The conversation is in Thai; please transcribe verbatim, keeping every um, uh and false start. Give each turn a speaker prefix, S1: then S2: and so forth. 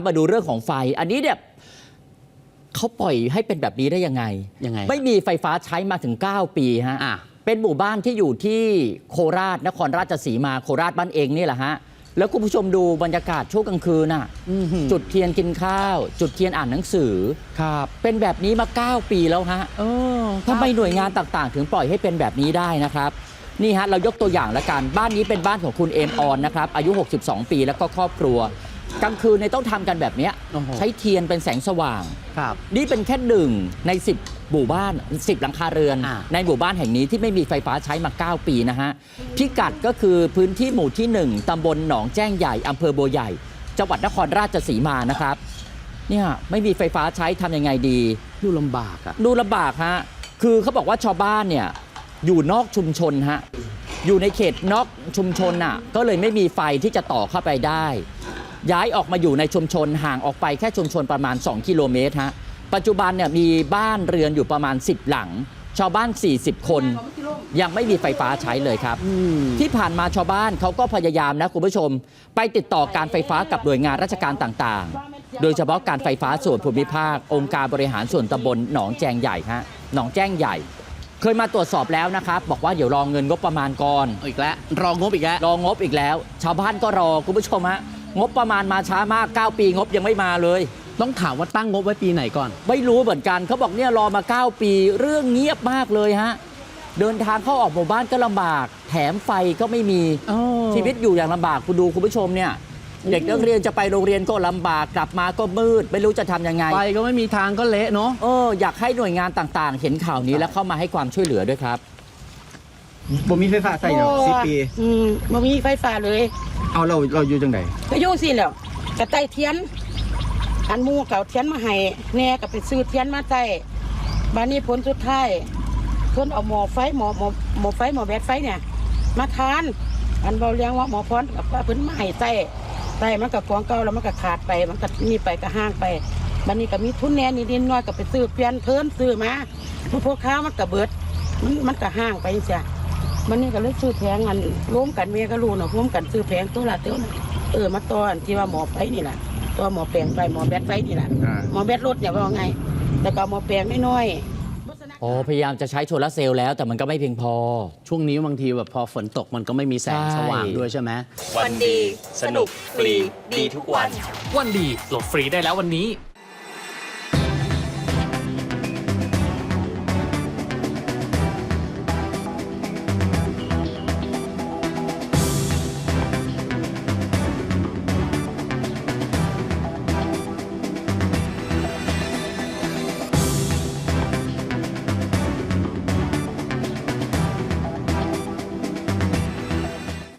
S1: มาดูเรื่องของไฟอันนี้เนี่ยเขาปล่อยให้เป็นแบบนี้ได้ยังไง
S2: ยังไง
S1: ไม่มีไฟฟ้าใช้มาถึงเก้าปีฮะเป็นหมู่บ้านที่อยู่ที่โคราชนครราชสีมาโคราชบ้านเองนี่แหละฮะแล้วคุณผู้ชมดูบรรยากาศช่วงกลางคืนน่ะจุดเทียนกินข้าวจุดเทียนอ่านหนังสือ
S2: ครับ
S1: เป็นแบบนี้มาเก้าปีแล้วฮะทำไมหน่วยงานต่างๆถึงปล่อยให้เป็นแบบนี้ได้นะครับนี่ฮะเรายกตัวอย่างละกันบ้านนี้เป็นบ้านของคุณเอมออนนะครับอายุหกสิบสองปีแล้วก็ครอบครัวกลางคืนเนี่ยต้องทำกันแบบนี้ใช้เทียนเป็นแสงสว่างนี่เป็นแค่หนึ่งในสิบหมู่บ้านสิบหลังคาเรือนในหมู่บ้านแห่งนี้ที่ไม่มีไฟฟ้าใช้มาเก้าปีนะฮะพิกัดก็คือพื้นที่หมู่ที่หนึ่งตำบลหนองแจ้งใหญ่อำเภอบัวใหญ่จังหวัดนครราชสีมานะครับเนี่ยไม่มีไฟฟ้าใช้ทำยังไงดี
S2: ดูลำบากอะ
S1: ดูลำบากฮะคือเขาบอกว่าชาวบ้านเนี่ยอยู่นอกชุมชนฮะอยู่ในเขตนอกชุมชนน่ะก็เลยไม่มีไฟที่จะต่อเข้าไปได้ย้ายออกมาอยู่ในชุมชนห่างออกไปแค่ชุมชนประมาณสองกิโลเมตรฮะปัจจุบันเนี่ยมีบ้านเรือนอยู่ประมาณสิบหลังชาวบ้านสี่สิบคนยังไม่มีไฟฟ้าใช้เลยครับที่ผ่านมาชาวบ้านเขาก็พยายามนะคุณผู้ชมไปติดต่อการไฟฟ้ากับหน่วยงานราชการต่างๆโดยเฉพาะการไฟฟ้าส่วนภูมิภาคองค์การบริหารส่วนตำบลหนองแจงใหญ่ฮะหนองแจ้งใหญ่เคยมาตรวจสอบแล้วนะครับบอกว่าเดี๋ยวรอเงินงบประมาณก่อน
S2: อีกแล้วรองบอีกแล้ว
S1: รองบอีกแล้วชาวบ้านก็รอคุณผู้ชมฮะงบประมาณมาช้ามากเก้าปีงบยังไม่มาเลย
S2: ต้องถามว่าตั้งงบไว้ปีไหนก่อน
S1: ไม่รู้เหมือนกันเขาบอกเนี่ยรอมาเก้าปีเรื่องเงียบมากเลยฮะเดินทางเข้าออกหมู่บ้านก็ลำบากแถมไฟก็ไม่มีชีวิตอยู่อย่างลำบากคุณดูคุณผู้ชมเนี่ยเด็กนักเรียนจะไปโรงเรียนก็ลำบากกลับมาก็มืดไม่รู้จะทำยังไง
S2: ไฟก็ไม่มีทางก็เละเนาะ
S1: เอออยากให้หน่วยงานต่างๆเห็นข่าวนี้แล้วเข้ามาให้ความช่วยเหลือด้วยครับ
S3: บ่มีไฟฟ้าใส่เนาะสิบปี
S4: อืมบ่มีไฟฟ้าเลย
S3: เอาเราเราอยู่จังได
S4: ก็อยู่สิแล้วกระไต่เทียนอันมูเก่าเทียนมาให้แน่ก็ไปซื้อเทียนมาใส่บ้านนี้ผลสุดท้ายเพิ่นเอาหม้อไฟหม้อหม้อหม้อไฟหม้อแบตไฟเนี่ยมาทานอันเบาเลี้ยงว่าหมอพรกับเพิ่นมาให้ใส่ใส่มันก็ของเก่าแล้วมันก็ขาดไปมันก็มีไปก็ห่างไปบ้านนี้ก็มีทุนแน่นิดๆน้อยก็ไปซื้อเปลี่ยนเพิ่นซื้อมาพวกข้าวมันก็เบิดมันมันก็ห่างไปจังซี่มันนี่ก็เลยซื้อแผงอันร่วมกันเมียก็รู้เนาะร่วมกันซื้อแผงตัวละเท่านั้นเออมาตอนที่ว่าหมอไฟนี่แหละตัวหมอแปลงไฟหมอแบตไฟนี่แหละหมอแบตรถเนี่ยว่าไงแต่ก็หมอแปลงน้อย
S1: ๆอ๋อพยายามจะใช้โซลาร์เซลล์แล้วแต่มันก็ไม่เพียงพอ
S2: ช่วงนี้บางทีแบบพอฝนตกมันก็ไม่มีแสงสว่างด้วยใช่ไหม
S5: วันดีสนุกฟรีดีทุกวัน
S6: วันดีโหลดฟรีได้แล้ววันนี้